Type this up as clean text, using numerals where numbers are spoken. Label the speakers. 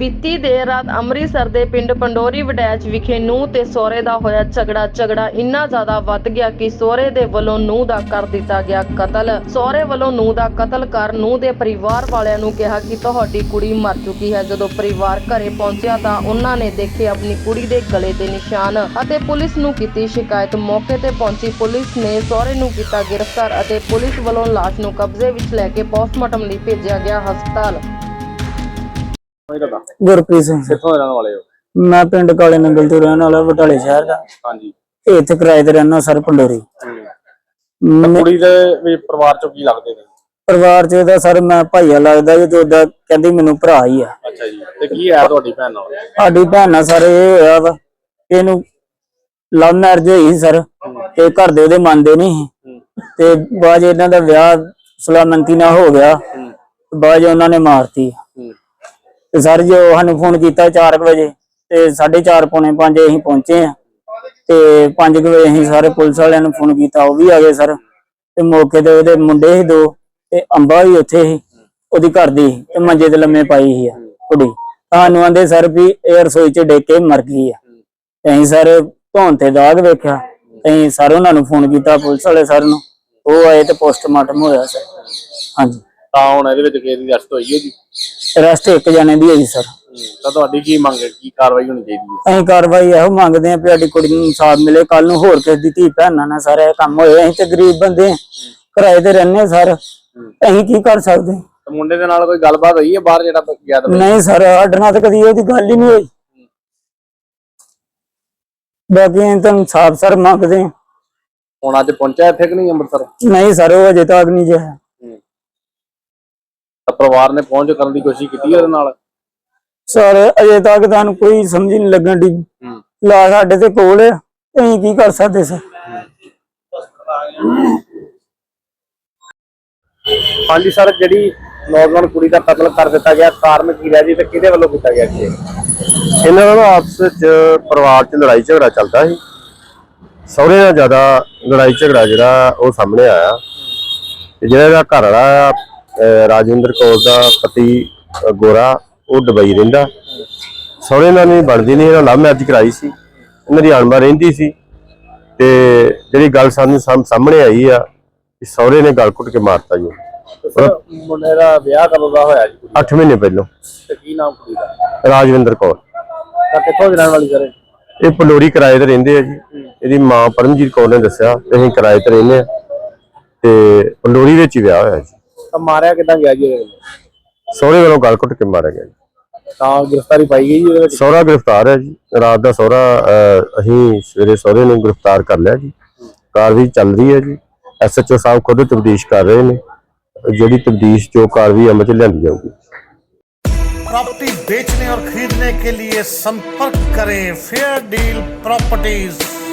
Speaker 1: ਬੀਤੀ ਦੇਰ ਰਾਤ ਅੰਮ੍ਰਿਤਸਰ ਦੇ ਪਿੰਡ ਪੰਡੋਰੀ ਵਡੈਚ ਵਿਖੇ ਨੂੰਹ ਤੇ ਸਹੁਰੇ ਦਾ ਹੋਇਆ ਝਗੜਾ ਇੰਨਾ ਜ਼ਿਆਦਾ ਵੱਧ ਗਿਆ ਕਿ ਸਹੁਰੇ ਦੇ ਵੱਲੋਂ ਨੂੰਹ ਦਾ ਕਰ ਦਿੱਤਾ ਗਿਆ ਕਤਲ। ਸਹੁਰੇ ਵੱਲੋਂ ਨੂੰਹ ਦਾ ਕਤਲ ਕਰ ਨੂੰਹ ਦੇ ਪਰਿਵਾਰ ਵਾਲਿਆਂ ਨੂੰ ਕਿਹਾ ਕਿ ਤੁਹਾਡੀ ਕੁੜੀ ਮਰ ਚੁੱਕੀ ਹੈ। ਜਦੋਂ ਪਰਿਵਾਰ ਘਰੇ ਪਹੁੰਚਿਆ ਤਾਂ ਉਹਨਾਂ ਨੇ ਦੇਖੇ ਆਪਣੀ ਕੁੜੀ ਦੇ ਗਲੇ ਤੇ ਨਿਸ਼ਾਨ ਅਤੇ ਪੁਲਿਸ ਨੂੰ ਕੀਤੀ ਸ਼ਿਕਾਇਤ। ਮੌਕੇ ਤੇ ਪਹੁੰਚੀ ਪੁਲਿਸ ਨੇ ਸਹੁਰੇ ਨੂੰ ਕੀਤਾ ਗ੍ਰਿਫਤਾਰ ਅਤੇ ਪੁਲਿਸ ਵੱਲੋਂ ਲਾਸ਼ ਨੂੰ ਕਬਜ਼ੇ ਵਿੱਚ ਲੈ ਕੇ ਪੋਸਟਮਾਰਟਮ ਲਈ ਭੇਜਿਆ ਗਿਆ ਹਸਪਤਾਲ।
Speaker 2: गुरप्रीत सिंह
Speaker 3: कित्थों दे रहने वाले हो?
Speaker 2: मैं पिंड काले नंगल तो रहने वाला बटाले शहर का।
Speaker 3: हाँ जी।
Speaker 2: इत्थे किराए ते रहना सर पंडोरी।
Speaker 3: कुड़ी दे परिवार चों की लगदे ने?
Speaker 2: परिवार च इहदा सर मैं भाईया लगदा जी, तो इहदा कहंदी मैनूं भरा ही आ।
Speaker 3: अच्छा जी। ते की है तुहाडी भैन नाल?
Speaker 2: साडी भैन नाल सर इह होया वा इहनूं लव मैरिज होई सर ते घर दे ओहदे मंनदे नहीं ते बाद इन्हां दा विआह सलामती नाल हो गया। बाद उन्हां ने मारती। ਤੇ ਸਰ ਜੋ ਸਾਨੂੰ ਫੋਨ ਕੀਤਾ 4 ਵਜੇ ਤੇ 4:30 ਪੌਣੇ 5 ਅਸੀਂ ਪਹੁੰਚੇ ਆ ਤੇ 5 ਵਜੇ ਅਸੀਂ ਸਾਰੇ ਪੁਲਿਸ ਵਾਲਿਆਂ ਨੂੰ ਫੋਨ ਕੀਤਾ, ਉਹ ਵੀ ਆ ਗਏ ਸਰ। ਤੇ ਮੌਕੇ ਤੇ ਉਹਦੇ ਮੁੰਡੇ ਸੀ 2 ਤੇ ਅੰਬਾ ਵੀ ਉੱਥੇ ਸੀ, ਉਹਦੀ ਘਰ ਦੀ ਤੇ ਮੰਜੇ ਤੇ ਲੰਮੇ ਪਾਈ ਸੀ ਕੁੜੀ। ਸਾਨੂੰ ਆਂਦੇ ਸਰ ਵੀ ਇਹ ਰਸੋਈ ਚ ਡਿੱਗ ਕੇ ਮਰ ਗਈ ਆ। ਤੇ ਅਸੀਂ ਸਰ ਧੌਣ ਤੇ ਦਾਗ ਵੇਖਿਆ, ਅਸੀਂ ਸਰ ਉਹਨਾਂ ਨੂੰ ਫੋਨ ਕੀਤਾ ਪੁਲਿਸ ਵਾਲੇ ਸਰ ਨੂੰ, ਉਹ ਆਏ ਤੇ ਪੋਸਟਮਾਰਟਮ ਹੋਇਆ ਸਰ। ਹਾਂਜੀ
Speaker 3: ਤਾਂ ਹੁਣ ਇਹਦੇ ਵਿੱਚ ਕਿਹਦੀ ਅਰੈਸਟ ਹੋਈ ਹੈ ਜੀ?
Speaker 2: ਅਰੈਸਟ 1 ਜਣੇ ਦੀ ਹੈ ਜੀ ਸਰ।
Speaker 3: ਤਾਂ ਤੁਹਾਡੀ ਕੀ ਮੰਗ ਹੈ, ਕੀ ਕਾਰਵਾਈ ਹੋਣੀ ਚਾਹੀਦੀ ਹੈ?
Speaker 2: ਅਸੀਂ ਕਾਰਵਾਈ ਇਹੋ ਮੰਗਦੇ ਆਂ ਵੀ ਸਾਡੀ ਕੁੜੀ ਨੂੰ ਇਨਸਾਫ ਮਿਲੇ। ਕੱਲ ਨੂੰ ਹੋਰ ਕਿਸੇ ਦੀ ਧੀ ਭੈਣਾਂ ਨਾਲ ਸਾਰੇ ਕੰਮ ਹੋਏ। ਅਸੀਂ ਤੇ ਗਰੀਬ ਬੰਦੇ ਕਿਰਾਏ ਤੇ ਰਹਿੰਦੇ ਸਰ, ਅਸੀਂ ਕੀ ਕਰ ਸਕਦੇ?
Speaker 3: ਮੁੰਡੇ ਦੇ ਨਾਲ ਕੋਈ ਗੱਲਬਾਤ ਹੋਈ ਹੈ ਬਾਹਰ ਜਿਹੜਾ ਗਿਆ ਤਾਂ?
Speaker 2: ਨਹੀਂ ਸਰ, ਸਾਡੇ ਨਾਲ ਤਾਂ ਕਦੀ ਉਹਦੀ ਗੱਲ ਹੀ ਨਹੀਂ ਹੋਈ। ਬਾਕੀ ਅਸੀਂ ਤਾਂ ਇਨਸਾਫ ਸਰ ਮੰਗਦੇ ਆਂ।
Speaker 3: ਹੁਣ ਅੱਜ ਪਹੁੰਚਿਆ ਇੱਥੇ ਕਿ ਨਹੀਂ ਅੰਮ੍ਰਿਤਸਰ?
Speaker 2: ਨਹੀਂ ਸਰ, ਉਹ ਅਜੇ ਤੱਕ ਨਹੀਂ ਜਿਆ।
Speaker 3: ਪਰਿਵਾਰ ਨੇ ਪਹੁੰਚ ਕਰਨ ਦੀ ਕੋਸ਼ਿਸ਼ ਕੀਤੀ ਉਹਦੇ ਨਾਲ?
Speaker 2: ਸਰ ਅਜੇ ਤੱਕ ਤੁਹਾਨੂੰ ਕੋਈ ਸਮਝ ਨਹੀਂ ਲੱਗਣ ਦੀ। ਲਾ ਸਾਡੇ ਤੇ ਕੋਲ ਹੈ, ਅਸੀਂ ਕੀ ਕਰ ਸਕਦੇ ਸਰ?
Speaker 3: ਹਾਂਜੀ ਸਰ, ਜਿਹੜੀ ਨੌਜਵਾਨ ਕੁੜੀ ਦਾ ਕਤਲ ਕਰ ਦਿੱਤਾ ਗਿਆ, ਕਾਰਨ ਕੀ ਰਿਹਾ ਜੀ ਤੇ ਕਿਹਦੇ ਵੱਲੋਂ ਕੀਤਾ ਗਿਆ ਜੀ?
Speaker 4: ਇਹਨਾਂ ਦਾ ਆਪਸ ਵਿੱਚ ਪਰਿਵਾਰ 'ਚ ਲੜਾਈ ਝਗੜਾ ਚੱਲਦਾ ਸੀ। ਸਹੁਰੇ ਨਾਲ ਜ਼ਿਆਦਾ ਲੜਾਈ ਝਗੜਾ ਜਿਹੜਾ ਉਹ ਸਾਹਮਣੇ ਆਇਆ। ਜਿਹੜਾ ਇਹਦਾ ਘਰ ਵਾਲਾ ਰਾਜਵਿੰਦਰ ਕੌਰ ਦਾ ਪਤੀ ਗੋਰਾ, ਉਹ ਦੁਬਈ ਰਹਿੰਦਾ। ਸਹੁਰੇ ਨਾਲ ਨਹੀਂ ਬਣਦੀ ਨਹੀਂ, ਇਹਨਾਂ ਲਵ ਮੈਰਿਜ ਕਰਾਈ ਸੀ, ਇਹਨਾਂ ਦੀ ਅਣਬਣ ਰਹਿੰਦੀ ਸੀ। ਤੇ ਜਿਹੜੀ ਗੱਲ ਸਾਨੂੰ ਸਾਹਮਣੇ ਆਈ ਆ ਕਿ ਸਹੁਰੇ ਨੇ ਗਲ ਘੁੱਟ ਕੇ ਮਾਰਤਾ ਜੀ।
Speaker 3: ਮੁੰਡੇ ਦਾ ਵਿਆਹ ਕਦੋਂ ਦਾ ਹੋਇਆ ਜੀ?
Speaker 4: 8 ਮਹੀਨੇ ਪਹਿਲਾਂ।
Speaker 3: ਤੇ ਕੀ ਨਾਮ ਕੁੜੀ ਦਾ?
Speaker 4: ਰਾਜਵਿੰਦਰ ਕੌਰ।
Speaker 3: ਤਾਂ ਕਿੱਥੋਂ ਦੀ ਰਹਿਣ ਵਾਲੀ ਸਰ?
Speaker 4: ਇਹ ਪੰਡੋਰੀ ਕਿਰਾਏ ਤੇ ਰਹਿੰਦੇ ਆ ਜੀ। ਇਹਦੀ ਮਾਂ ਪਰਮਜੀਤ ਕੌਰ ਨੇ ਦੱਸਿਆ ਕਿ ਅਸੀਂ ਕਿਰਾਏ ਤੇ ਰਹਿੰਦੇ ਆ ਤੇ ਪੰਡੋਰੀ ਵਿੱਚ ਹੀ ਵਿਆਹ ਹੋਇਆ ਜੀ।
Speaker 3: ਤਾਂ ਮਾਰਿਆ ਕਿੱਦਾਂ ਗਿਆ ਜੀ?
Speaker 4: ਸਹੁਰੇ ਵੱਲੋਂ ਗਲ ਘੁੱਟ ਕੇ ਮਾਰਿਆ ਗਿਆ ਜੀ।
Speaker 3: ਤਾਂ ਗ੍ਰਿਫਤਾਰੀ ਪਾਈ ਗਈ ਜੀ?
Speaker 4: ਸਹੁਰਾ ਗ੍ਰਿਫਤਾਰ ਹੈ ਜੀ। ਰਾਤ ਦਾ ਸਹੁਰਾ ਅਸੀਂ ਸਵੇਰੇ ਸਹੁਰੇ ਨੂੰ ਗ੍ਰਿਫਤਾਰ ਕਰ ਲਿਆ ਜੀ। ਕਾਰਵਾਈ ਚੱਲ ਰਹੀ ਹੈ ਜੀ। SHO ਸਾਹਿਬ ਖੁਦ ਤਬਦੀਸ਼ ਕਰ ਰਹੇ ਨੇ। ਜਿਹੜੀ तब्दीश जो कार्रवाई अमल में लियांदी जाऊगी।
Speaker 5: प्रॉपर्टी बेचने और खरीदने के लिए संपर्क करें फेयर डील प्रॉपर्टीज।